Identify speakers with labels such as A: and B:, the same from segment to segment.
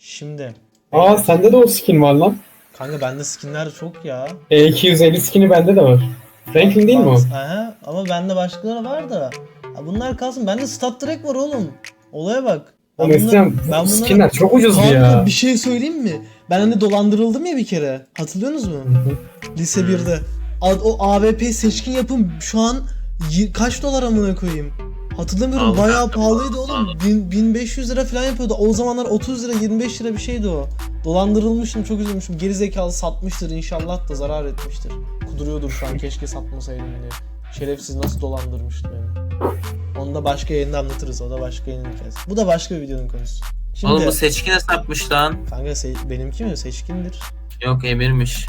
A: Şimdi.
B: Aa sende de o skin var lan.
A: Kanka bende skinler çok ya.
B: E250 skin'i bende de var. Franklin değil mi o?
A: Aha, ama bende başkaları var da. Ha, bunlar kalsın. Bende Stat Trek var oğlum. Olaya bak.
B: Oğlum eskiden bu skinler çok ucuzdu
A: kanka,
B: ya.
A: bir şey söyleyeyim mi? Ben hani dolandırıldım ya bir kere. Hatırlıyorsunuz mu? Lise 1'de. O AWP seçkin yapım şu an kaç dolar amına koyayım? Hatırlamıyorum,
C: Al
A: bayağı
C: kanka,
A: pahalıydı
C: al.
A: oğlum. 1500 lira falan yapıyordu. O zamanlar 30 lira 25 lira bir şeydi o. Dolandırılmışım, çok üzülmüşüm. Geri zekalı satmıştır inşallah da zarar etmiştir. Kuduruyordur şu an, keşke satmasaydım diye. Şerefsiz nasıl dolandırmıştı beni. Onu da başka yayında anlatırız. O da başka yayının hikayesi. Bu da başka bir videonun konusu. Şimdi,
C: Oğlum bu seçkine sapmış lan.
A: kanka benimki mi? Seçkindir.
C: Yok emirmiş.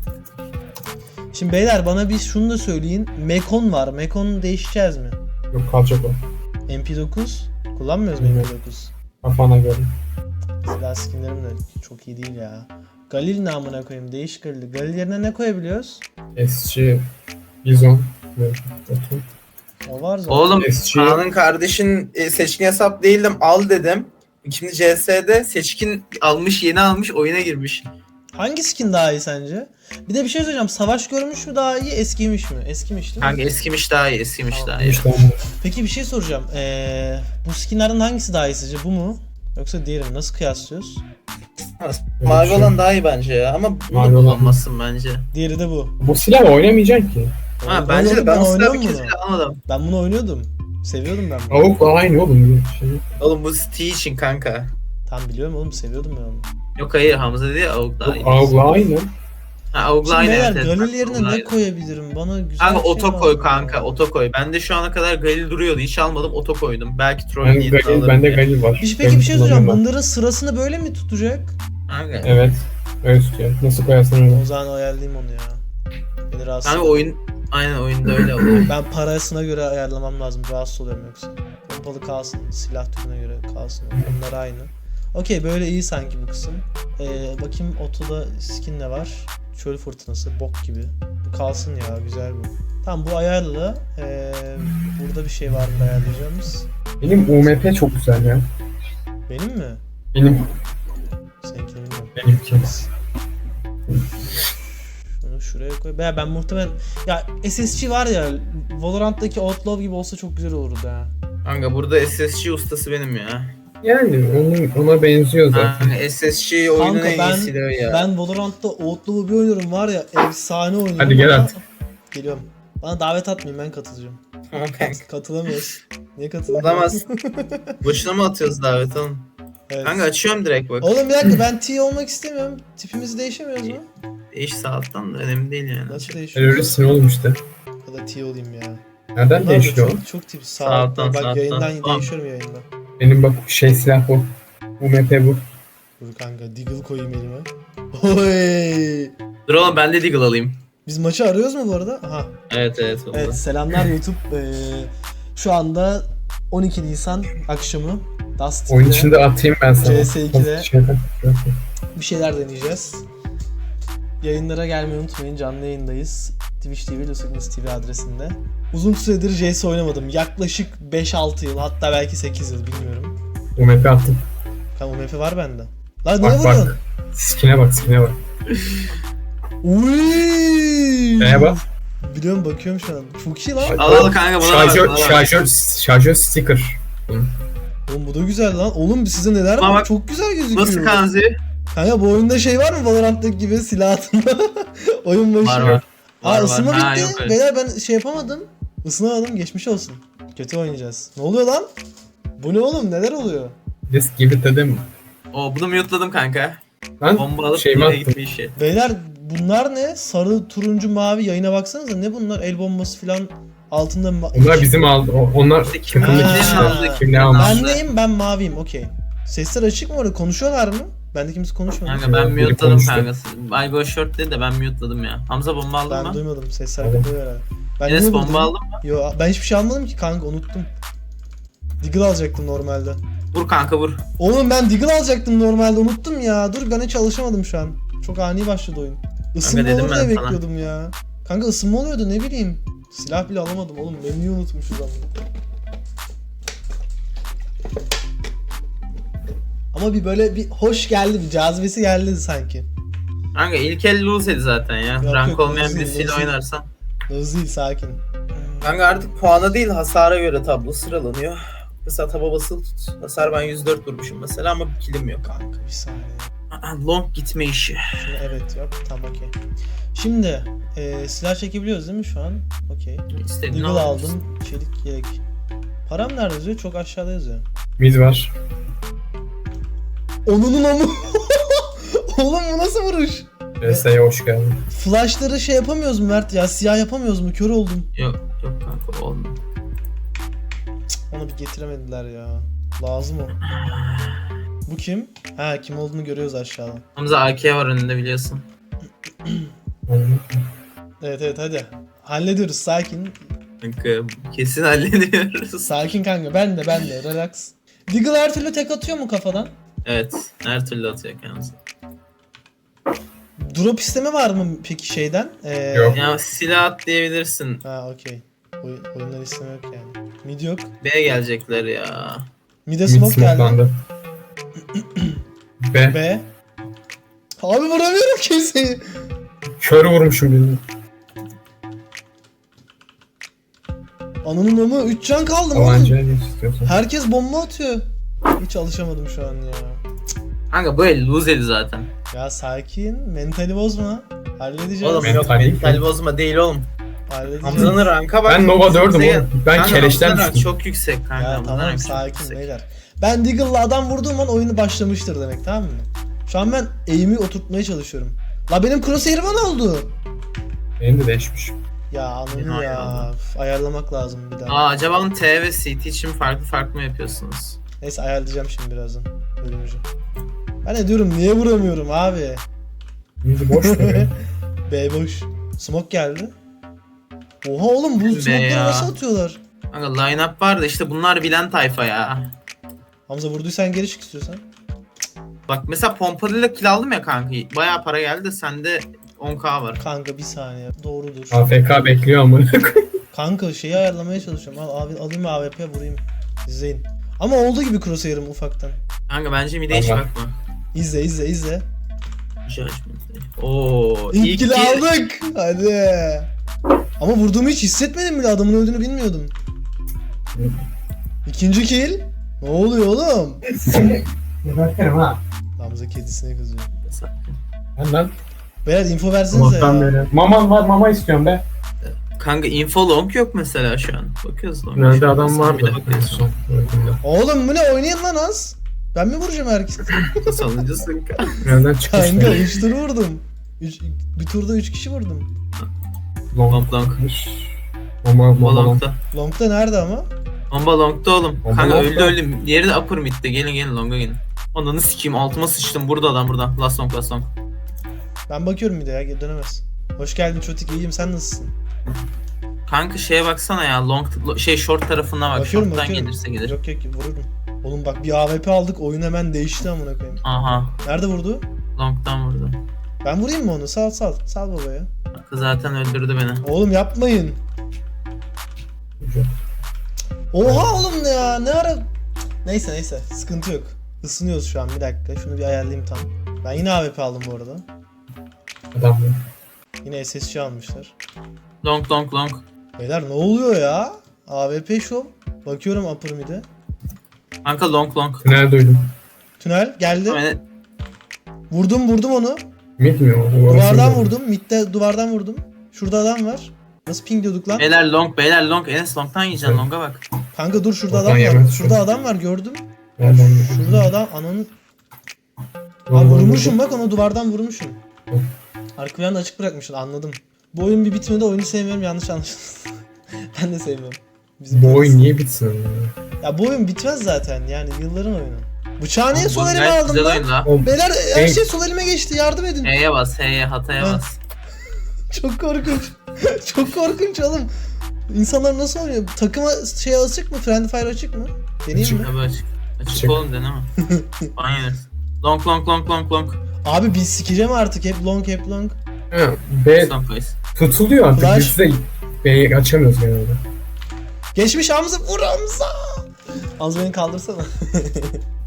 A: Şimdi beyler bana bir şunu da söyleyin. Mekon var. Mekon değişeceğiz mi?
B: Yok kalacak o.
A: MP9 kullanmıyoruz mu
B: Evet.
A: MP9?
B: Kafana göre.
A: Silah skinlerim de çok iyi değil ya. Galil namına koyayım, değişik Galil. Galil yerine ne koyabiliyoruz?
B: SC, Bizon ve Otum.
A: O var zaten.
C: Oğlum
B: SC,
D: Kaan'ın kardeşin seçkin hesap değildim al dedim. Şimdi CS'de
C: seçkin almış, yeni almış, oyuna girmiş.
A: Hangi skin daha iyi sence? Bir de bir şey söyleyeceğim. Savaş görmüş mü daha iyi, eskimiş mi? Eskimiş değil mi?
C: Kanka eskimiş daha iyi, eskimiş
A: Tamam.
C: daha iyi.
B: işte
A: Peki bir şey soracağım. Bu skinlerden hangisi daha iyi sizce? Bu mu? Yoksa diğeri mi? Nasıl kıyaslıyoruz?
D: mavi olan daha iyi bence ya ama
B: Mavi
C: Bunu
B: olan.
C: kullanmasın bence.
A: Diğeri de bu.
B: Bu silah oynamayacaksın ki.
C: Ha bence de ben o silahı bir kez
A: bunu.
C: bile almadım.
A: Ben bunu oynuyordum. Seviyordum ben bunu.
B: Avuk aynı oğlum. Şey.
C: Oğlum bu T için kanka.
A: Tam biliyorum oğlum, seviyordum ben onu.
C: Yok hayır, Hamza dedi ya Avuk daha iyi.
B: Avukla aynı.
C: Ha Avuk'la
A: Şimdi
C: aynı.
A: beyler
C: evet,
A: Galil
C: evet,
A: yerine
C: Avuk'la
A: ne
C: aynı.
A: koyabilirim? Bana güzel
C: Kanka
A: bir şey
C: oto
A: lazım
C: koy
A: ya.
C: kanka, oto koy. Ben de şu ana kadar Galil duruyordu, hiç almadım, oto koydum. Belki troll
B: Ben
C: niyetine
B: Galil,
C: alırım
B: bende
C: diye.
B: Galil var.
A: Peki
B: Galil
A: bir şey soracağım.
B: kullanıyorum
A: Bunların sırasını böyle mi tutacak?
C: Kanka.
B: ben. Evet. Öyle tutuyor. Nasıl koyarsın öyle.
A: O zaman ayarlayayım onu ya. Beni rahatsız
C: Kanka
A: ediyor.
C: oyun, aynen oyunda öyle oluyor.
A: Ben parasına göre ayarlamam lazım. Rahatsız oluyorum yoksa. Pompalı kalsın, silah türüne göre kalsın. Onlar aynı. Okey, böyle iyi sanki bu kısım. Bakayım otoda skin ne var? Çöl fırtınası, bok gibi. Bu kalsın ya, güzel bu. Tamam, bu ayarlı. Burada bir şey var mı ayarlayacağımız?
B: Benim UMP çok güzel ya.
A: Benim mi?
B: Benim
A: Seninkini bilmiyorum.
B: benimki.
A: Şunu şuraya koy. Ben muhtemelen... Ya SSG var ya, Valorant'taki Outlaw gibi olsa çok güzel olurdu ha.
C: Kanka burada SSG ustası benim ya.
B: Yani ona benziyor zaten.
C: Kanka SSG oyunun
A: Kanka
C: en iyi silahı ya.
A: ben Valorant'ta Outlaw'u bir oynuyorum var ya, efsane oynuyorum.
B: Hadi gel
A: ama-
B: artık.
A: Geliyorum. Bana davet atmayın, ben katılacağım.
D: Tamam kanka.
A: Katılamıyoruz. Niye katılamıyoruz?
C: Olamaz. Boşuna mı atıyoruz davet oğlum?
A: Evet.
C: Kanka açıyorum direkt bak.
A: Oğlum bir dakika, ben T olmak istemiyorum. Tipimizi değişemiyoruz mu?
C: Değiş saatten de önemli değil yani.
A: Nasıl değişiyor?
B: Teröristsin oğlum işte.
A: Ya da T olayım ya.
B: Nereden
A: Bunlar da
B: değişiyor?
A: çok tip. Sağ
C: Sağ alttan,
A: bak
C: sağ
A: yayından
C: alttan. Tamam.
A: değişiyorum yayında.
B: Benim bak silah bu. UMP bu.
A: Dur kanka, Deagle koyayım elime. Oy!
C: Dur oğlum ben de Deagle alayım.
A: Biz maçı arıyoruz mu bu arada? Aha.
C: Evet oldu.
A: Evet, selamlar YouTube. Şu anda 12 Nisan akşamı. Dust
B: Oyun
A: TV'de
B: içinde atayım ben sana.
A: CS2'de
B: Şeyden.
A: bir şeyler deneyeceğiz. Yayınlara gelmeyi unutmayın. Canlı yayındayız. Twitch TV, Lusignus TV adresinde. Uzun süredir CS oynamadım. Yaklaşık 5-6 yıl, hatta belki 8 yıl, bilmiyorum.
B: UMP attım.
A: Tamam, MP var bende. Lan ne
B: Bak
A: vuruyorsun?
B: bak. Skin'e bak.
A: Uyyy!
B: Neye bak?
A: Biliyorum, bakıyorum şu an. Çok iyi lan.
C: Al kanka bana ver.
B: Şarjör sticker.
A: Oğlum bu da güzel lan. Oğlum size neler
C: Ama
A: var?
C: bak,
A: Çok güzel gözüküyor.
C: Nasıl kanzi?
A: Kanka bu oyunda şey var mı, Valorant'taki gibi silah atma? Oyun başı.
C: Var.
A: Aa, ısınma
C: Ha,
A: bitti.
C: yok öyle.
A: Beyler ben şey yapamadım. Isınamadım, geçmiş olsun. Kötü oynayacağız. Ne oluyor lan? Bu ne oğlum, neler oluyor?
B: Just give it dedim.
C: Bunu mute'ladım kanka.
B: Ben
C: Bomba alıp
B: şeyimi
C: nereye
B: attım.
C: gitme işi.
A: Beyler bunlar ne? Sarı, turuncu, mavi, yayına baksanıza. Ne bunlar? El bombası falan altında
B: Onlar bizim aldı. Onlar
C: İşte kim
B: takımdaki
A: Ha.
B: kişiler. Kim ne almış?
A: Ben neyim? Ben maviyim. Okey. Sesler açık mı orada? Konuşuyorlar mı? Bende kimse konuşmadı.
C: Kanka ben
B: Biri
C: mute'ladım
B: konuştu.
C: kanka. Ay go short dedi de ben mute'ladım ya. Hamza bomba aldın
A: Ben
C: mı?
A: duymadım. Sesler
B: Aldım.
A: kapıyor herhalde. Ben
C: Enes
A: niye
C: bomba
A: buradayım?
C: aldın mı?
A: Yo, ben hiçbir şey almadım ki kanka, unuttum. Deagle alacaktım normalde.
C: Vur kanka vur.
A: Oğlum ben Deagle alacaktım normalde, unuttum ya. Dur, ben hiç alışamadım şu an. Çok ani başladı oyun. Isınma
C: dedim
A: olur
C: ben
A: diye
C: sana.
A: bekliyordum ya. Kanka ısınma oluyordu, ne bileyim. Silah bile alamadım oğlum. Menüyü unutmuşuz ama. Ama ama bir böyle bir hoş geldi, bir cazibesi geldi sanki.
C: Kanka ilk el lose zaten ya.
A: Yok,
C: Rank
A: yok,
C: olmayan
A: lose değil,
C: birisiyle
A: lose değil.
C: oynarsan.
A: Hızlı sakin.
D: Kanka artık puana değil hasara göre tablo sıralanıyor. Mesela taba basılı tut. Hasar ben 104 vurmuşum mesela ama bir kilim yok.
A: Kanka bir saniye.
C: Long gitme işi.
A: Şunu evet yap. Tamam okey. Şimdi silah çekebiliyoruz değil mi şu an? Okey.
C: İstediğini
A: Eagle
C: alabilirsin.
A: aldım. Çelik yelek. Param nerede yazıyor? Çok aşağıda yazıyor.
B: Mid var.
A: Onunun omu. Oğlum bu nasıl vuruş?
B: RS'ye hoş geldin.
A: Flashları şey yapamıyoruz mu Mert ya? Siyah yapamıyoruz mu? Kör oldum.
C: Yok kanka olmuyor.
A: Onu bir getiremediler ya. Lazım o. Bu kim? Ha kim olduğunu görüyoruz aşağıda.
C: Hamza AK var önünde biliyorsun.
A: Evet hadi. Hallediyoruz sakin.
C: Kanka kesin hallediyoruz.
A: Sakin kanka ben de relax. Deagle her türlü tek atıyor mu kafadan?
C: Evet her türlü atıyor kendisi.
A: Drop isteme var mı peki şeyden?
B: Yok.
C: Ya silah at diyebilirsin.
A: Ha okey. Oyundan isteme yok yani. Mid yok.
C: B gelecekler ya.
A: Mid'e
B: Mid
A: smoke geldi.
B: smokelandı. B.
A: B. Abi vuramıyorum kimseyi.
B: Kör vurmuşum birini.
A: Ananın amı 3 can kaldı oğlum.
B: Tabancaya geç istiyorsan.
A: Herkes bomba atıyor. Hiç alışamadım şu an ya.
C: Kanka bu el lose eli zaten.
A: Ya sakin. Mentali bozma. Halledeceğiz.
D: Oğlum
B: Mental
D: yok
B: değil
D: mental
B: mi?
D: bozma değil oğlum.
A: Halledeceğiz.
D: Hamza'nın ranka bak.
B: Ben Nova 4'üm
D: Hamza'ya-
B: oğlum. Ben
C: Kanka,
B: keleşten
C: Hamza'nın rank
B: düştüm.
C: çok yüksek kanka.
A: Ya
C: Hamza'nın
A: tamam
C: rank çok
A: sakin
C: yüksek.
A: beyler. Ben Deagle'la adam vurduğum an oyunu başlamıştır demek tamam mı? Şu an ben aim'i oturtmaya çalışıyorum. La benim crosshair'ıma ne oldu?
B: Benim de değişmiş.
A: Ya anladım
C: Fena
A: ya.
C: ya.
A: Üf, ayarlamak lazım bir daha.
C: Aa acaba onun T ve CT için farklı mı yapıyorsunuz?
A: Neyse ayarlayacağım şimdi birazdan. Bölümcü. Ben ne diyorum niye vuramıyorum abi?
B: Mid boş mu ya?
A: B boş. Smoke geldi. Oha oğlum bu smoke'ları
C: ya.
A: nasıl atıyorlar?
C: Kanka line-up var da işte bunlar bilen tayfa ya.
A: Hamza vurduysan geri çık istiyorsan.
C: Bak mesela pompalıyla kill aldım ya kanka. Bayağı para geldi de sende 10k var.
A: Kanka bir saniye. Doğrudur.
B: AFK bekliyor amına koyayım.
A: Kanka şeyi ayarlamaya çalışıyorum. Abi alayım AWP vurayım. İzleyin. Ama olduğu gibi crosshair'ım ufaktan.
C: Kanka bence mid'e hiç
B: Allah.
C: bakma.
A: İzle.
C: Judgment. Oo,
A: İlk kill
C: kill.
A: aldık. Hadi. Ama vurduğumu hiç hissetmedim bile. Adamın öldüğünü bilmiyordum. İkinci kill. Ne oluyor oğlum?
B: Bakarım ha.
A: Hamza kedisine kızıyor.
B: Lan.
A: Beyler info versenize
B: Allah'tan
A: ya.
B: beri. Maman var mama istiyorum be.
C: Kanka info long yok mesela şu an. Bakıyoruz long.
B: Nerede adam
C: Sen
B: vardı?
C: bir de bakıyoruz.
A: Oğlum bu ne oynayın lan az. Ben mi vuracağım herkesi?
C: Sonuncusun kanka.
B: Nereden çıkmış?
A: Kanka 3 tur vurdum. Bir turda 3 kişi vurdum.
C: Long.
B: Mama.
C: Long'da.
A: Long'da nerede ama?
C: Bomba long'da oğlum.
B: Bomba
C: Kanka
B: long'da.
C: öldü. Yeri de upper mid'de. Gelin long'a gelin. Ananı sikeyim altıma sıçtım. Burada adam burada. Last long.
A: Ben bakıyorum bir de ya geri dönemez. Hoş geldin Çotik iyiyim sen nasılsın?
C: Kanka şeye baksana ya. Short tarafına bak.
A: Bakıyorum
C: Short'tan
A: bakıyorum.
C: gelirse gelir.
A: Yok vururum. Oğlum bak bir AWP aldık oyun hemen değişti amına koyayım.
C: Aha.
A: Nerede vurdu?
C: Long'dan vurdu. Ben
A: Vurayım mı onu? Sal babaya.
C: Kız zaten öldürdü beni.
A: Oğlum yapmayın. Oha oğlum ya ne ara... Neyse sıkıntı yok. Isınıyoruz şu an bir dakika. Şunu bir ayarlayayım tam. Ben yine AWP aldım bu arada.
B: Adam var.
A: Yine SSC almışlar.
C: Long.
A: Beyler ne oluyor ya? AWP show. Bakıyorum upper mid'e.
C: Kanka long.
B: Tünel duydum.
A: Tünel geldi.
C: Yani
A: Vurdum onu.
B: Mid mi o?
A: Duvardan vurdum. Mid'de duvardan vurdum. Şurada adam var. Nasıl ping diyorduk lan?
C: beyler long. Enes long'tan yiyeceksin long'a bak.
A: Kanka dur şurada
B: Oradan
A: adam var.
B: yemez
A: Şurada
B: şu.
A: adam var gördüm.
B: Nereden
A: Şurada adam ananı... Abi vurmuşum bak onu duvardan vurmuşum. Arka planı açık bırakmışsın anladım. Bu oyun bir bitmedi oyunu sevmiyorum yanlış anlaşılsın. Ben de sevmiyorum.
B: Bu oyun niye bitsin?
A: Ya bu oyun bitmez zaten yani yılların oyunu. Bıçağı niye sol
C: Bu
A: elime
C: gayet
A: aldım
C: güzel
A: lan?
C: oyun la.
B: Oğlum,
A: Beyler her
B: Hey.
A: şey sol elime geçti yardım edin.
C: H'ye bas, hataya
A: Ha.
C: bas.
A: Çok korkunç. Çok korkunç oğlum. İnsanlar nasıl oynuyor? Takıma şey açık mı? Friendly Fire açık mı? Deneyeyim mi?
C: Tabii açık. Açık
B: Açık.
C: oğlum deneme. Aynen. Long.
A: Abi biz sikeceğim artık hep long.
B: Ha, B
C: Son place.
B: tutuluyor artık.
A: Flash.
B: Biz de B'yi açamıyoruz genelde.
A: Geçmiş Hamza vur Hamza. Az beni kaldırsana.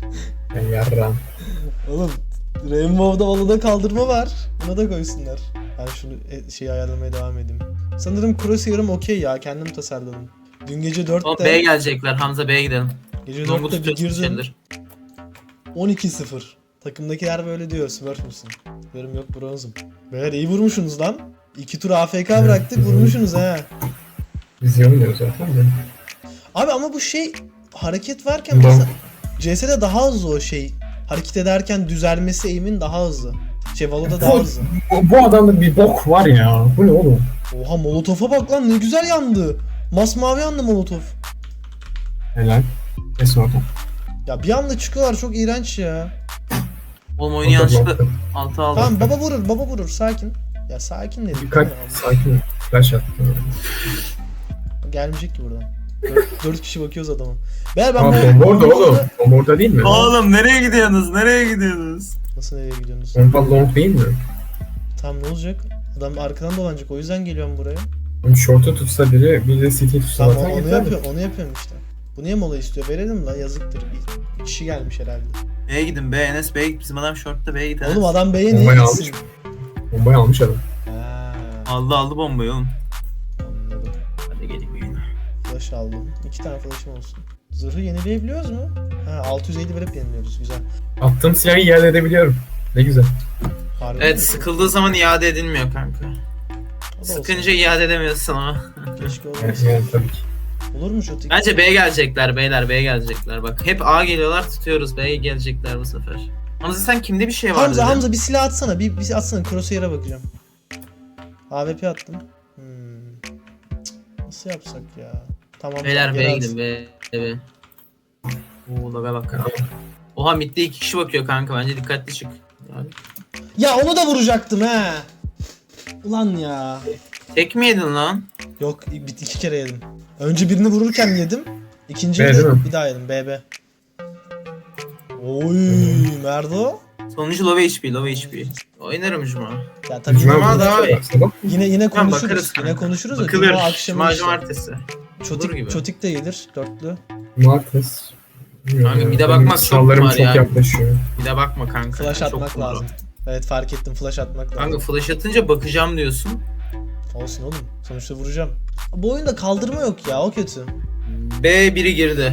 B: Ben yarram.
A: Oğlum Rainbow'da Valo'da kaldırma var. Buna da koysunlar. Ben şunu şeyi ayarlamaya devam edeyim. Sanırım Crosshair'ım okey ya. Kendim tasarladım. Dün gece
C: Oğlum
A: 4'te
C: B'ye gelecekler. Hamza B'ye gidelim.
A: gece
C: Long'u
A: 4'te bir
C: tutuyorsun
A: girdim.
C: şeydir.
A: 12-0. Takımdakiler böyle diyor. Smurf musun? Diyorum yok bronzum. Beyler iyi vurmuşsunuz lan. 2 tur AFK bıraktık vurmuşsunuz ha.
B: Biz iyi oynuyoruz zaten de.
A: Abi ama bu şey hareket varken
B: Long.
A: mesela CS'de daha hızlı o şey. Hareket ederken düzelmesi eğimin daha hızlı. Valo'da daha hızlı.
B: Bu adamda bir bok var ya. Bu ne oğlum?
A: Oha Molotof'a bak lan ne güzel yandı. Masmavi yandı Molotof.
B: Helal. Kesin oradan.
A: Ya bir anda çıkıyorlar çok iğrenç ya.
C: Oğlum oyunu yanlışlıkla
B: Orada
C: 6 aldı.
A: Tamam baba vurur sakin. Ya sakin dedim.
B: Dikkat, sakin ol. Flash attı.
A: Gelmeyecek ki buradan. 4 kişi bakıyoruz adama. Ben
B: Aa, bomba orada oğlum. Bomba orada değil mi?
C: Oğlum nereye gidiyorsunuz? Nereye gidiyorsunuz?
A: Nasıl nereye gidiyorsunuz?
B: Bomba long değil mi?
A: Tam ne olacak? Adam arkadan dolanacak o yüzden geliyorum buraya.
B: Oğlum short'u tutsa biri, bir de city tutsa
A: Tamam
B: zaten
A: onu
B: yeter.
A: yapıyorum, onu yapıyorum işte. Bu niye mola istiyor? Verelim la yazıktır. Bir kişi gelmiş herhalde.
C: B'ye gidin B. Enes B'ye git. Bizim adam short'ta B'ye git.
A: Oğlum adam B'ye niye
B: Bombayı
A: gitsin?
B: almış. Bombayı almış adam.
A: Ha,
C: Aldı bombayı oğlum.
A: anladım.
C: Hadi gelin yine.
A: Flash aldım. 2 tane flash'ım olsun. Zırhı yenileyebiliyoruz mu? Ha 650 verip yeniliyoruz. Güzel.
B: Attığım silahı iade edebiliyorum. Ne güzel.
A: Harbi
C: Evet
A: mi?
C: sıkıldığı zaman iade edilmiyor kanka.
A: O da olsun.
C: Sıkınca iade edemiyorsun ama.
A: Keşke
B: Yani,
A: olmasın.
B: yani tabii ki.
A: Olur mu şu tik?
C: Bence B'ye gelecekler beyler B'ye gelecekler. Bak hep A geliyorlar tutuyoruz B'ye gelecekler bu sefer. Hamza sen kimde bir şey var
A: Hamza
C: dedin?
A: Hamza bir silah atsana. Bir atsana. Crosshair'a bakacağım. AWP attım. Cık, nasıl yapsak ya? Tamam.
C: Beyler
A: gel
C: B'ye
A: at.
C: gidin B. Oo laga bak kanka. Oha midde 2 kişi bakıyor kanka bence dikkatli çık. Yani.
A: Ya onu da vuracaktım he. Ulan ya.
C: Tek mi yedin lan?
A: Yok 2 kere yedim. Önce birini vururken yedim. İkinciyi
B: B değil
A: de
B: mi?
A: bir daha yedim. BB. Oy Merdo.
C: Sonuncu low HP. Oynarım Cuma.
A: Ya tabii
B: Cuma
A: yine,
C: Cuma
B: günü
C: daha iyi.
B: baksana.
A: yine
C: Tamam,
A: konuşuruz.
C: bakarız
A: Yine
C: kanka.
A: konuşuruz da
C: Bakılır.
A: Cuma akşamı
C: Cuma
A: işte.
C: cumartesi. Olur gibi.
A: Çotik de gelir. Dörtlü.
B: Cumartesi. Bilmiyorum
C: Kanka,
B: ya.
C: bir de
B: Benim
C: bakmaz, çok
B: sınavlarım
C: var
B: çok
C: ya.
B: yaklaşıyor.
C: Bir de bakma kanka.
A: Flash
C: Çok
A: atmak
C: doğru.
A: lazım. Evet fark ettim flash atmak lazım.
C: Kanka flash atınca bakacağım diyorsun.
A: Olsun oğlum. Sonuçta vuracağım. Bu oyunda kaldırma yok ya o kötü.
C: B biri girdi.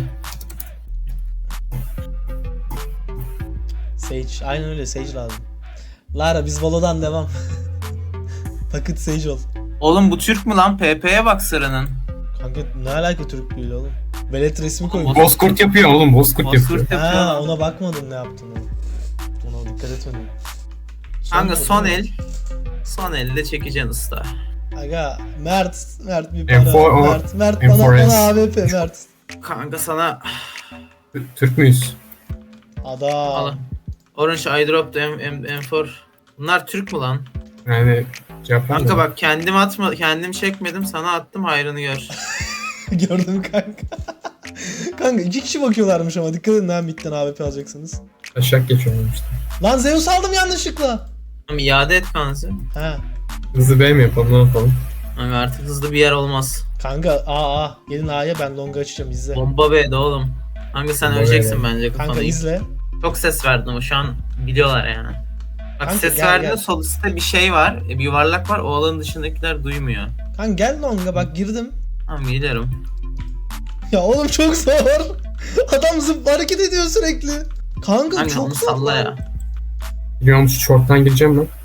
A: Sage. Aynen öyle Sage lazım. Lara biz Valo'dan devam. Paket Sage ol.
C: Oğlum bu Türk mü lan? PP'ye bak sıranın.
A: Kanka ne alaka Türklüğüyle oğlum? Velet resmi
C: Oğlum,
A: koymuş.
B: Bozkurt yapıyor oğlum, Bozkurt yapıyor.
C: Bozkurt yapıyor
A: Ha
C: lan.
A: ona bakmadın ne yaptığını. Ona dikkat etmedim.
C: Kanka son
A: tur-
C: el. Son elde çekeceksin usta.
A: Aga Mert bir
B: M4
A: bana.
B: o-
A: Mert
B: M4S.
A: bana AWP Mert.
C: Kanka sana
B: Türk müyüz?
A: Adam.
C: al. Orange I dropped M4. Bunlar Türk mü lan?
B: Yani cevap
C: Kanka
B: verme.
C: bak kendim çekmedim sana attım hayrını gör.
A: Gördüm kanka. Kanka 2 kişi bakıyorlarmış ama dikkat edin ha midden AWP alacaksınız.
B: Aşağı geçiyorum işte.
A: Lan Zeus aldım yanlışlıkla.
C: Tamam iade et kanka.
A: Ha.
B: Hızlı B mi yapalım, ne yapalım?
C: Kanka artık hızlı bir yer olmaz.
A: Kanka A gelin A'ya ben longa açacağım izle.
C: Bomba B'de oğlum. Kanka sen
B: Bomba
C: öleceksin
B: B'de.
C: bence
A: Kanka
C: kafana.
A: izle.
C: Çok ses verdin ama şu an biliyorlar yani. Bak
A: Kanka,
C: ses
A: gel,
C: verdiğinde
A: gel.
C: sol üstte bir şey var. Bir yuvarlak var. O alanın dışındakiler duymuyor.
A: Kanka gel longa bak girdim.
C: Tamam geliyorum.
A: Ya oğlum çok zor. Adam zıp hareket ediyor sürekli. Kanka
C: Kanka onu
A: çok zor.
C: salla
A: lan.
C: ya.
B: Biliyor musun, short'tan gireceğim lan.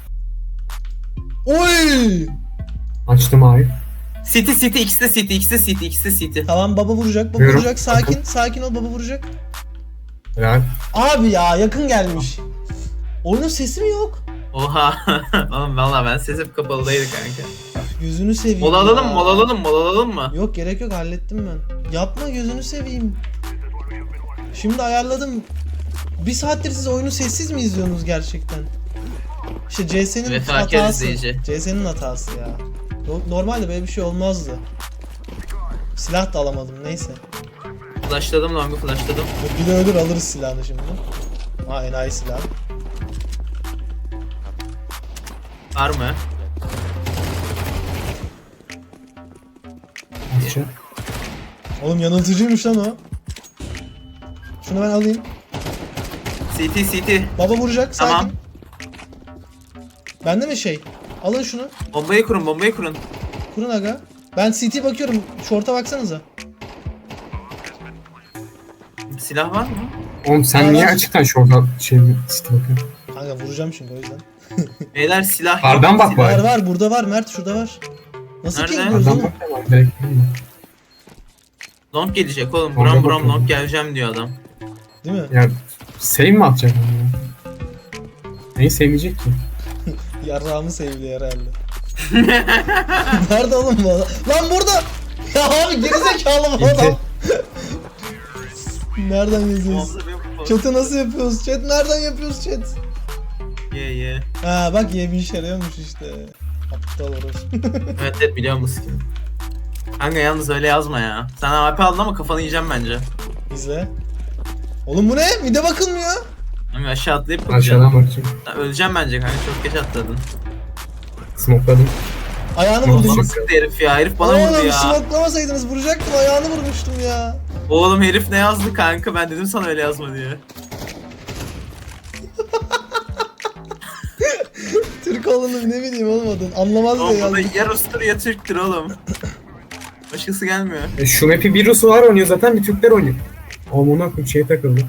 A: Oy!
B: Açtım A'yı.
C: City ikisi de City.
A: Tamam baba vuracak
B: Buyurun.
A: vuracak sakin ol baba vuracak.
B: Helal.
A: Abi ya yakın gelmiş. Oyunun sesi mi yok?
C: Oha. Oğlum valla ben ses hep kapalıdaydı kanka.
A: Gözünü seveyim.
C: Mola
A: ya.
C: alalım mı?
A: Yok gerek yok hallettim ben. Yapma gözünü seveyim. Şimdi ayarladım. Bir saattir siz oyunu sessiz mi izliyorsunuz gerçekten? İşte CS'nin
C: Vefakar
A: hatası.
C: izleyici.
A: CS'nin hatası ya. Normalde böyle bir şey olmazdı. Silah da alamadım neyse.
C: Flashladım longu flashladım.
A: Bir de ölür alırız silahını şimdi. Ha enayi silah.
C: Var mı?
B: Açacağım.
A: Oğlum yanıltıcıymış lan o. Şunu ben alayım.
C: CT.
A: Baba vuracak. Sakin.
C: Tamam.
A: Bende mi şey? Alın şunu.
C: Bombayı kurun.
A: Kurun aga. Ben CT bakıyorum. Short'a baksanıza.
C: Silah var mı?
B: Oğlum sen
A: Var,
B: niye
A: var.
B: açıktan şorta şey bakıyorsun?
A: Kanka vuracağım çünkü o yüzden.
C: Beyler silah yok.
B: Kardan bak
C: Silah-
B: bari.
A: Var burada var Mert şurada var. Nasıl
C: Nerede?
A: ki yapıyoruz
B: Adam
A: oğlum?
B: bak ya, direkt değil mi?
C: Long gelecek oğlum.
B: Longa
C: Buram
B: bakıyorum.
C: long geleceğim diyor adam.
A: Değil mi?
B: Ya save mi atacak onu ya? Neyi sevmeyecek ki?
A: Yarrağımı sevdi herhalde. Nerede oğlum bu adam? Lan burada! Ya abi gerizekalı bu adam. Nereden yazıyoruz? Chat'i nasıl yapıyoruz? Chat nereden yapıyoruz chat?
C: Ye.
A: Ha bak ye bir işe yarıyormuş işte. Aptal orası.
C: Evet biliyor musun? Kanka yalnız öyle yazma ya. Sen AP aldın ama kafanı yiyeceğim bence.
A: İzle. Oğlum bu ne? Mide bakılmıyor.
C: Kanka aşağı atlayıp bakacağım.
B: Aşağıdan bakacağım.
C: Öleceğim bence kanka, çok geç atladın.
B: Smokeladım.
A: Ayağını
B: Oğlum,
A: vurdum.
C: Bana sıktı herif ya. Herif bana vurdu
A: Oğlum
C: ya.
A: smoklamasaydınız vuracaktım. Ayağını vurmuştum ya.
C: Oğlum herif ne yazdı kanka? Ben dedim sana öyle yazma diye.
A: Türk oğlunu ne bileyim oğlum adın. Anlamaz diye
C: Oğlum burada
A: yazdım.
C: ya Rus'tur ya Türk'tür oğlum. Başkası gelmiyor.
B: Şu map'i bir Ruslar oynuyor zaten, bir Türkler oynuyor. Oğlum ona koyayım şeye takıldı.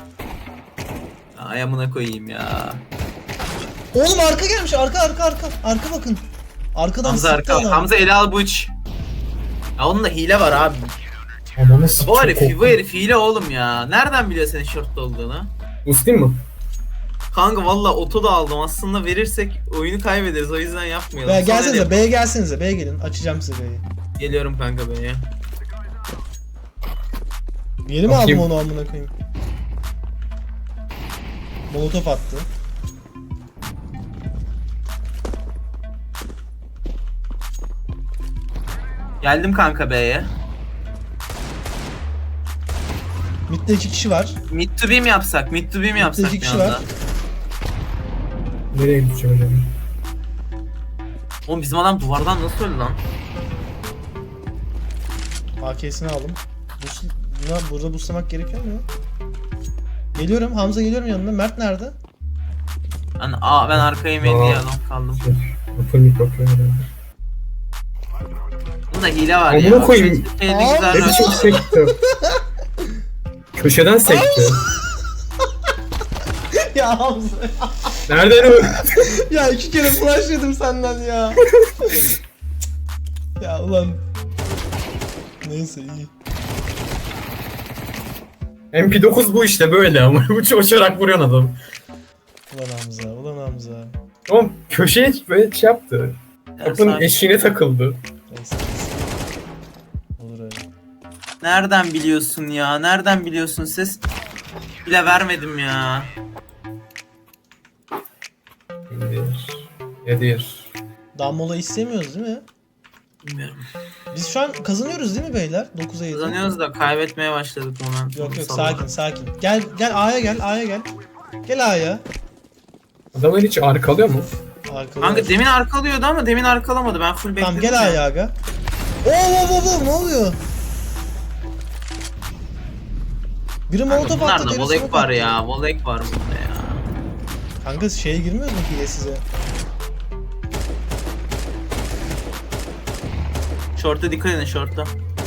C: Ay amına koyayım ya.
A: Oğlum arka gelmiş. Arka. Arka bakın. Arkadan
C: Hamza
A: sıktı
C: arka.
A: adam.
C: Hamza ele al bu iç. Ya onun da hile var abi.
B: Ama nasıl?
C: Bu herif hile oğlum ya. Nereden biliyor senin şortta olduğunu?
B: Ustin mi?
C: Kanka valla oto da aldım. Aslında verirsek oyunu kaybederiz. O yüzden yapmayalım.
A: Be,
C: Sonra
A: gelsenize
C: ne-
A: B'ye gelsenize. B'ye gelin. Açacağım size B'yi.
C: Geliyorum kanka B'ye.
A: Yeni mi aldım
B: Bakayım.
A: onu amına koyayım? Molotof attı.
C: Geldim kanka B'ye.
A: Mid'de 2 kişi var.
C: Mid to B mi yapsak? Mid to B mi yapsak
A: iki
C: bir
A: kişi
C: anda?
A: var.
B: Nereye gideceğim acaba?
C: Oğlum bizim adam duvardan nasıl öldü lan?
A: AK'sini aldım. Burada boostlamak gerekiyor mu ya? Geliyorum. Hamza geliyorum yanına. Mert nerede?
C: Ben arkaya meydi
B: Aa.
C: ya lan kaldım.
B: Apple mik bakıyor herhalde.
C: Bunda hile var
B: Amına
C: ya.
B: koyayım.
C: Şeyde
A: Aa,
C: güzel
B: Ne
C: rol-
B: biçim sekti? Köşeden sekti.
A: Ya Hamza.
B: Nereden o?
A: Ya 2 kere flash yedim senden ya. Ya ulan. Neyse iyi.
B: MP9 bu işte böyle ama uçarak vuruyorsun adam.
A: Ulan Hamza.
B: Oğlum köşeye böyle şey yaptı. Kapının
C: Sakin.
B: eşiğine takıldı.
A: Neyse. Olur öyle.
C: Nereden biliyorsun ya? Nereden biliyorsun? Ses bile vermedim ya.
B: Nedir?
A: Dammola istemiyoruz değil mi?
C: Bilmiyorum.
A: Biz şu an kazanıyoruz değil mi beyler? 9'a 7.
C: Kazanıyoruz da kaybetmeye başladık momentum.
A: Yok
C: Sabah.
A: sakin. Gel A'ya gel. Gel A'ya.
B: Adamlar hiç arkalıyor mu?
A: Arkada.
C: Kanka demin arkalıyordu ama demin arkalamadı. Ben full bekledim.
A: Tamam gel
C: ya.
A: A'ya aga. Oo ne oluyor? Biri
C: Kanka
A: molotof attı.
C: bunlarda
A: diğeri
C: volek
A: smoke
C: var
A: attı.
C: ya. Volek var burada ya.
A: Kanka şeye girmiyor mu hile size?
C: Short'a dikkat edin short'a.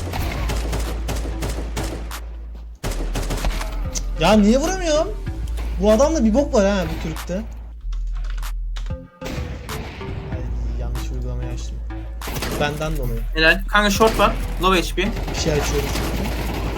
A: Ya niye vuramıyorum? Bu adamda bir bok var ha bu Türk'te. Ay, yanlış uygulamayı açtım. Benden dolayı.
C: Helal. Kanka short var. Low HP.
A: Bir şey açıyorum çünkü.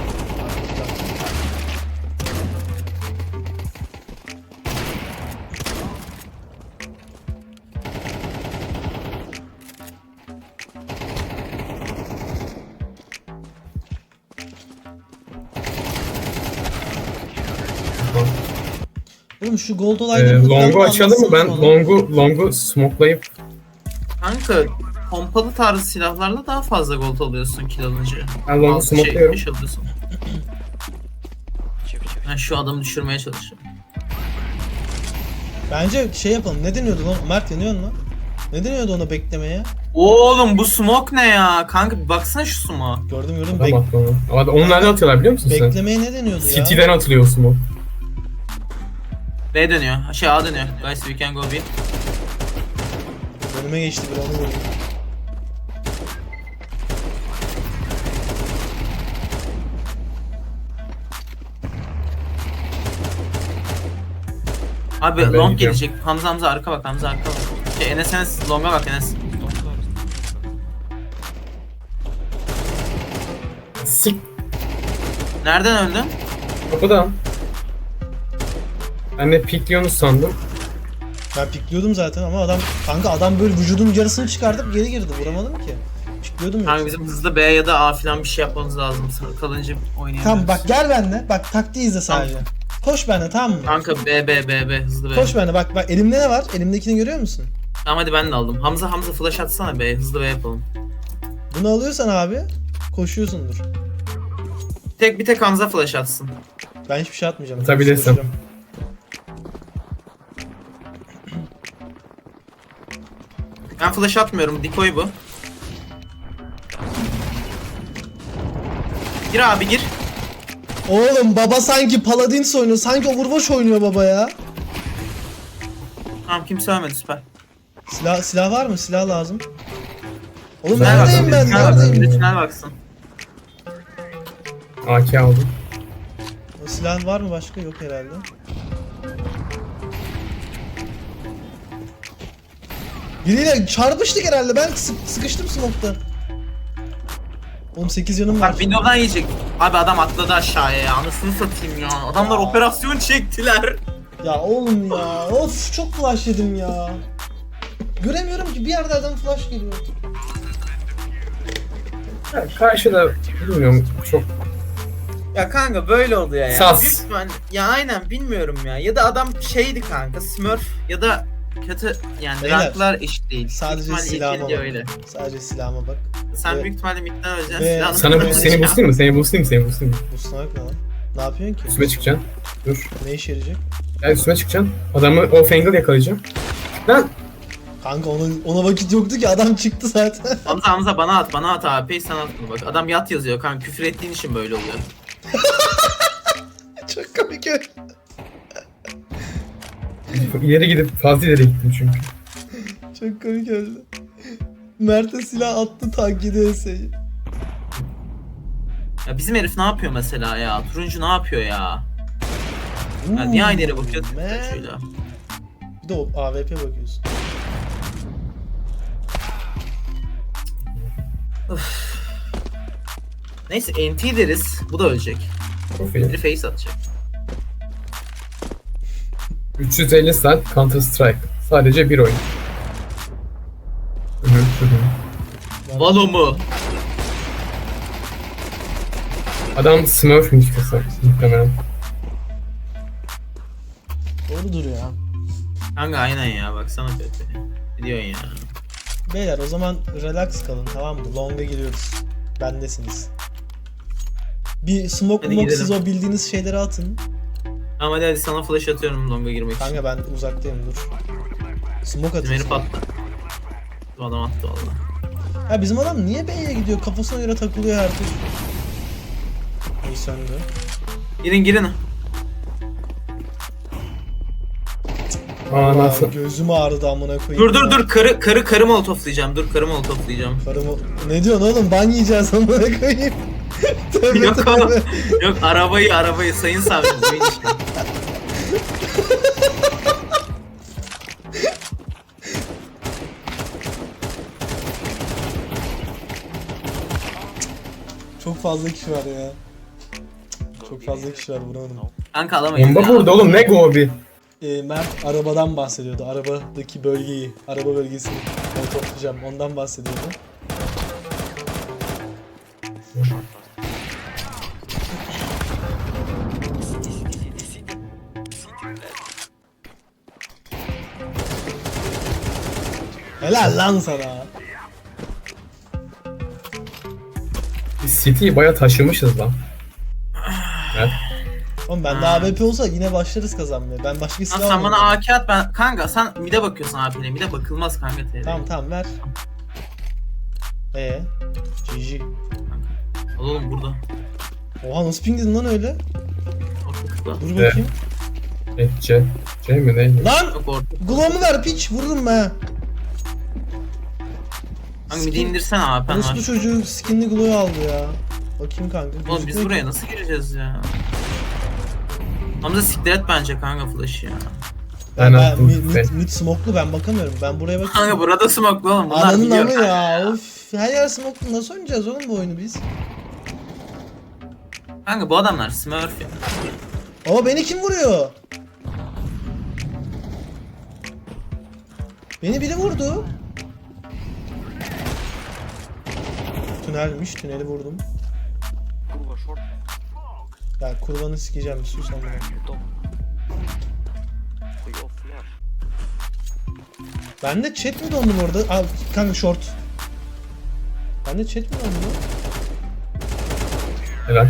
A: Oğlum şu gold olayları
B: Long'u açalım mı? Ben Long'u smokelayıp
C: Kanka pompalı tarzı silahlarla daha fazla gold alıyorsun kill alınca.
B: Ben long'u
C: Altı
B: smokluyorum.
C: beş alıyorsun. Ben şu adamı düşürmeye çalışıyorum.
A: Bence şey yapalım. Ne deniyordu lan? Mert yanıyor mu? Ne deniyordu ona beklemeye?
C: Oğlum bu smoke ne ya? Kanka bir baksana şu smoke.
A: Gördüm.
B: adam attı onu. Onu nereden atıyorlar biliyor musun sen?
A: Beklemeye ne deniyordu ya?
B: City'den atılıyor o smoke.
C: B dönüyor. A dönüyor. Guys we can go B.
A: Önüme geçti bir onu vurdum.
C: Abi
B: Ben
C: long
B: gidiyorum.
C: gelecek. Hamza arka bak, Hamza arka bak. Enes longa bak Enes.
B: Sik.
C: Nereden öldün?
B: Kapıdan. Ben de pikliyorsunuz sandım.
A: Ben pikliyordum zaten ama adam böyle vücudun yarısını çıkartıp geri girdi. Vuramadım ki. Pikliyordum
C: Kanka
A: yoksa.
C: bizim hızlı B ya da A falan bir şey yapmamız lazım. Kalınca oynayamıyoruz.
A: Tamam bak gel benimle. Bak taktiği izle sadece. Koş benimle tamam mı?
C: Kanka B hızlı B.
A: Koş benimle bak elimde ne var? Elimdekini görüyor musun?
C: Tamam hadi ben de aldım. Hamza flash atsana B, hızlı B yapalım.
A: Bunu alıyorsan abi koşuyorsundur.
C: Bir tek Hamza flash atsın.
A: Ben hiçbir şey atmayacağım.
B: Atabilirsin.
A: Koşacağım.
C: Ben flash atmıyorum. Decoy bu. Gir abi gir.
A: Oğlum baba sanki Paladins oynuyor. Sanki Overwatch oynuyor baba ya.
C: Tamam kimse ölmedi, süper.
A: Silah var mı? Silah lazım. Oğlum
B: Tünel
A: neredeyim ben?
C: Tünel baksın,
A: Neredeyim?
C: bir de tünel baksın.
B: AK aldım.
A: O silah var mı başka? Yok herhalde. Biriyle çarpıştık herhalde. Ben sıkıştım smoke'ta. Oğlum 8 canım var.
C: Bak window'dan yiyecek. Abi adam atladı aşağıya ya. Anasını satayım ya. Adamlar operasyon çektiler.
A: Ya oğlum ya. Of çok flash yedim ya. Göremiyorum ki bir yerden flash geliyor.
B: Ya, karşıda bilmiyorum çok
D: Ya kanka böyle oldu ya.
B: Sas.
D: Büyük ihtimal- ya aynen bilmiyorum ya. Ya da adam şeydi kanka Smurf.
C: Ya da kötü yani
A: Beyler,
C: ranklar eşit değil.
A: sadece
C: Büyük ihtimalle
A: silahıma
C: yetkili
A: bak.
C: öyle.
A: Sadece silahıma bak.
C: Sen
A: Evet.
C: büyük ihtimalle midden öleceksin.
A: Ve
C: Silahını
B: sana
C: kullanacağım.
B: seni boostlayayım mı? Seni boostlayayım mı?
A: Bu snipe ne lan? Ne yapıyorsun ki?
B: Üstüme çıkacaksın. Dur.
A: Ne işe yarayacak?
B: Gel üstüme çıkacaksın. Adamı off angle yakalayacağım. Lan!
A: Kanka ona vakit yoktu ki adam çıktı zaten.
C: Hamza bana at abi. Sen at bunu bak. Adam yat yazıyor kanka. Küfür ettiğin için böyle oluyor.
A: Çok komik öyle.
B: İleri gidip fazla ileri gittim çünkü.
A: Çok komik öldü. Mert'e silah attı tank yedi Ese'yi.
C: Ya bizim herif ne yapıyor mesela ya? Turuncu ne yapıyor ya? Ya niye aynı yere bakıyorsun? Şöyle.
A: Bir de o AWP bakıyorsun.
C: Neyse NT deriz. Bu da ölecek.
B: Profil.
C: Biri face atacak.
B: 350 saat Counter Strike. Sadece bir oyun. Hı hı, hı hı.
C: Valo mu?
B: Adam Smurf müzikası muhtemelen.
A: Doğrudur ya.
C: Kanka aynen ya baksana kötü. Ne diyorsun ya?
A: Beyler o zaman relax kalın tamam mı? Long'a giriyoruz. Bendesiniz. Bir smoke
C: Hadi
A: smoke
C: gidelim.
A: siz o bildiğiniz şeyleri atın.
C: Ama hadi sana flash atıyorum longa girmek için.
A: Kanka ben uzaktayım dur. Smoke
C: Bizim herif
A: atın.
C: attı. Bu adam attı valla.
A: Ya bizim adam niye B'ye gidiyor? Kafasına göre takılıyor her türlü. İyi söndü.
C: Girin.
B: Aa nasıl?
A: Gözüm ağrıdı amına koyayım.
C: Dur karı molotoflayacağım. Dur karı molotoflayacağım.
A: Karımı... Ne diyorsun oğlum? Ban yiyeceğiz amına koyayım. Tövbe
C: Yok
A: tövbe.
C: oğlum. Yok arabayı sayın savcım. Oyun işte.
A: Çok fazla kişi var ya. Çok fazla kişi var vuramadım.
C: Kanka alamayız
B: Bomba
C: ya.
B: burada oğlum ne gobi?
A: Mert arabadan bahsediyordu. Arabadaki bölgeyi, araba bölgesini toplayacağım. Ondan bahsediyordu. Helal lan sana.
B: Biz City'yi baya taşımışız lan. Evet.
A: Oğlum bende AWP olsa yine başlarız kazanmaya. Ben başka
C: Lan
A: silah
C: sen bana
A: almadım.
C: AK at ben. Kanka sen mide bakıyorsun AP'ne. Mide bakılmaz kanka TR.
A: Tamam ver. GG.
C: Oğlum burada.
A: Oha nasıl pingledin lan öyle?
C: Bak burada.
A: Dur bakayım.
B: C mi neydi?
A: Lan!
C: Yok orada.
A: Glow'umu ver piç vururum be.
C: Kanka midi indirsene AP'n
A: Orospu
C: var.
A: çocuğu skinli glow aldı ya. Bakayım kanka.
C: Oğlum biz
A: gözükmüyor
C: buraya
A: ki.
C: nasıl gireceğiz ya? Hamza siktir et bence kanka flash'ı ya.
B: Ben
A: Ben
B: attım.
A: mid smoke'lu ben bakamıyorum. Ben buraya bakıyorum.
C: Kanka burada smoke'lu oğlum. Bunlar
A: Ananın
C: biliyor
A: amı
C: kanka.
A: ya. Of. Her yer smoke'lu. Nasıl oynayacağız oğlum bu oyunu biz?
C: Kanka bu adamlar smurf ya.
A: Ama beni kim vuruyor? Beni biri vurdu. Tünelmiş. Tüneli vurdum.
E: Kurva short.
A: Ya kurbanı sikeceğim. Bir sus amına.
E: Top. Хуёв фляж.
A: Ben de chat mi dondum orada? Aa, kanka short. Ben de chat mi dondum?
B: Helal.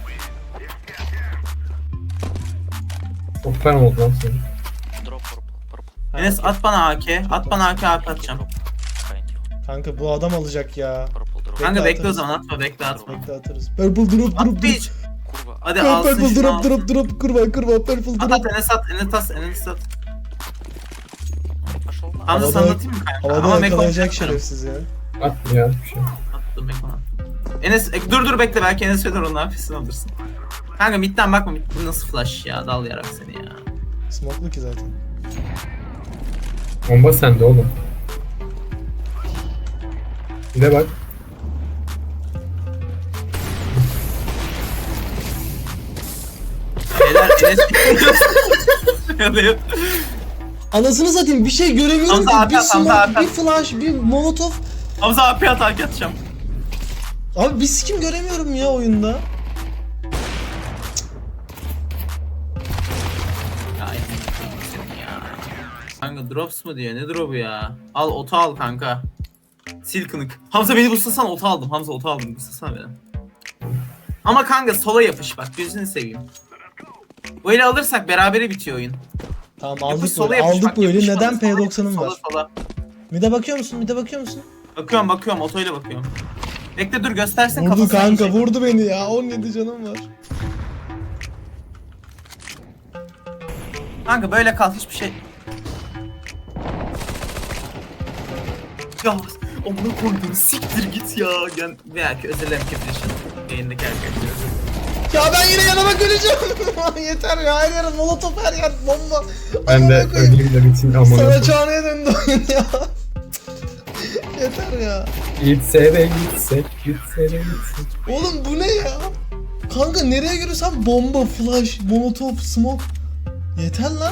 B: Çok fena oldu lan senin.
E: Drop purple.
A: Ha,
C: Enes
A: okey.
C: at bana AK. At bana AK atacağım.
E: Thank you.
A: Kanka bu adam alacak ya.
E: Purple drop.
C: Kanka bekle o
A: atarız.
C: zaman atma bekle atma.
A: Bekle atarız. Purple drop
C: At
A: drop
C: bir.
A: drop.
E: Kurva.
C: Hadi alsın
A: Purple
C: şunu
A: drop
C: alsın.
A: drop drop. Kurban kurban purple
C: At
A: drop.
C: at Enes at Enes at.
E: Пошел на.
C: Hamza
A: Havada-
C: sana atayım mı kanka?
A: Havada
C: Ama Mekon
A: yakalayacak
C: atarım.
A: şerefsiz ya.
B: At ya bir şey.
C: Attım Mekon attım. Enes dur bekle belki Enes söyler onun hafifini alırsın. Kanka midden bakma mid nasıl flash ya dal yarak seni ya.
A: Smoke'lu ki zaten.
B: Bomba sende oğlum. Bir de bak.
C: Beyler Enes
A: Anasını satayım bir şey göremiyorum
C: Hamza
A: ki.
C: abi
A: Bir
C: at, Hamza
A: smoke,
C: abi at.
A: bir flash, bir molotov.
C: Hamza AP atak atacağım.
A: Abi bir sikim göremiyorum ya oyunda.
C: Ya senin ya. Kanka drops mu diyor ne drop'u ya? Al oto al kanka. Sil kınık. Hamza beni buslasana oto aldım. Hamza oto aldım buslasana beni. Ama kanka sola yapış bak gözünü seveyim. Bu eli alırsak berabere bitiyor oyun.
A: Tamam
C: Yapış
A: aldık
C: sola
A: böyle.
C: yapış,
A: Aldık
C: bak,
A: böyle.
C: yapış
A: Neden
C: sola,
A: P90'ım var?
C: Sola.
A: Mide bakıyor musun? Mide bakıyor musun?
C: Bakıyorum otoyla bakıyorum. Bekle dur göstersin
A: Vurdu
C: kafasına
A: kanka
C: yiyecek.
A: vurdu beni ya. 17 canım var.
C: Kanka böyle kal hiçbir şey. Ya amına koydum siktir git ya. Gel veya ki özel MK yayındaki arkadaşlar.
A: Ya ben yine yanıma göreceğim. Yeter ya her yer molotof her yer bomba.
B: Ben de
A: Amına koyayım.
B: öleyim de bitsin amına.
A: Sana çağrıya döndü oyun ya. Yeter ya.
B: Gitse de gitsek, gitse de gitsek.
A: Oğlum bu ne ya? Kanka nereye görürsem bomba, flash, molotov, smoke. Yeter lan.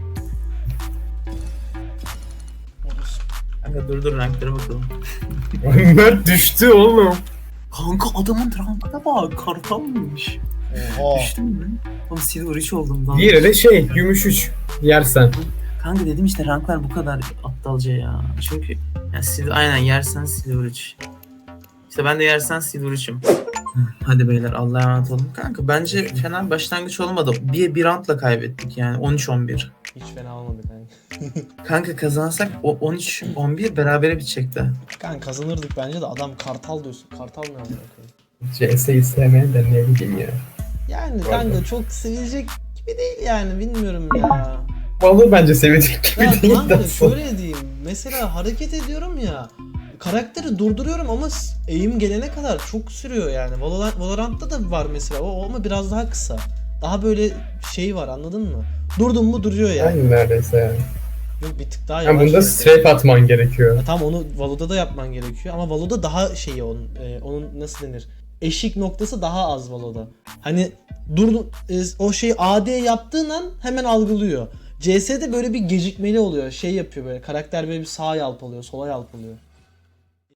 C: Kanka dur renklere bakalım.
B: Mert düştü oğlum.
C: Kanka adamın rankına bak kartalmış.
A: Oha.
C: Düştün mü? Oğlum silver 3 oldum daha.
B: Diğeri de şey, gümüş 3 yersen.
C: Kanka dedim işte ranklar bu kadar aptalca ya. Çünkü yani aynen yersen silver 3. İşte ben de yersen silver 3'üm. Hadi beyler Allah'a emanet olun. Kanka bence fena bir başlangıç olmadı. Bir roundla kaybettik yani 13-11.
A: Hiç fena olmadı kanka.
C: Kanka kazansak o 13-11 berabere bitecekti.
A: Kanka kazanırdık bence de adam kartal diyorsun. Kartal ne amına koyayım?
B: CS'yi sevmeyen de ne bileyim ya.
A: Yani
B: Pardon.
A: kanka çok sevilecek gibi değil yani bilmiyorum ya.
B: Vallahi bence sevecek gibi
A: Ya
B: değil
A: kanka
B: de.
A: şöyle diyeyim. Mesela hareket ediyorum ya. Karakteri durduruyorum ama eğim gelene kadar çok sürüyor yani. Valorant'ta da var mesela o ama biraz daha kısa. Daha böyle şey var anladın mı? Durdun mu duruyor yani.
B: Aynı neredeyse yani.
A: Yok bir tık daha
B: Yani
A: yavaş.
B: bunda
A: yani.
B: strafe atman gerekiyor.
A: Ya tamam onu Valo'da da yapman gerekiyor ama Valo'da daha şeyi onun nasıl denir? Eşik noktası daha az Valo'da. Hani o şeyi AD yaptığın an hemen algılıyor. CS'de böyle bir gecikmeli oluyor. Şey yapıyor böyle karakter böyle bir sağa yalpalıyor, sola yalpalıyor.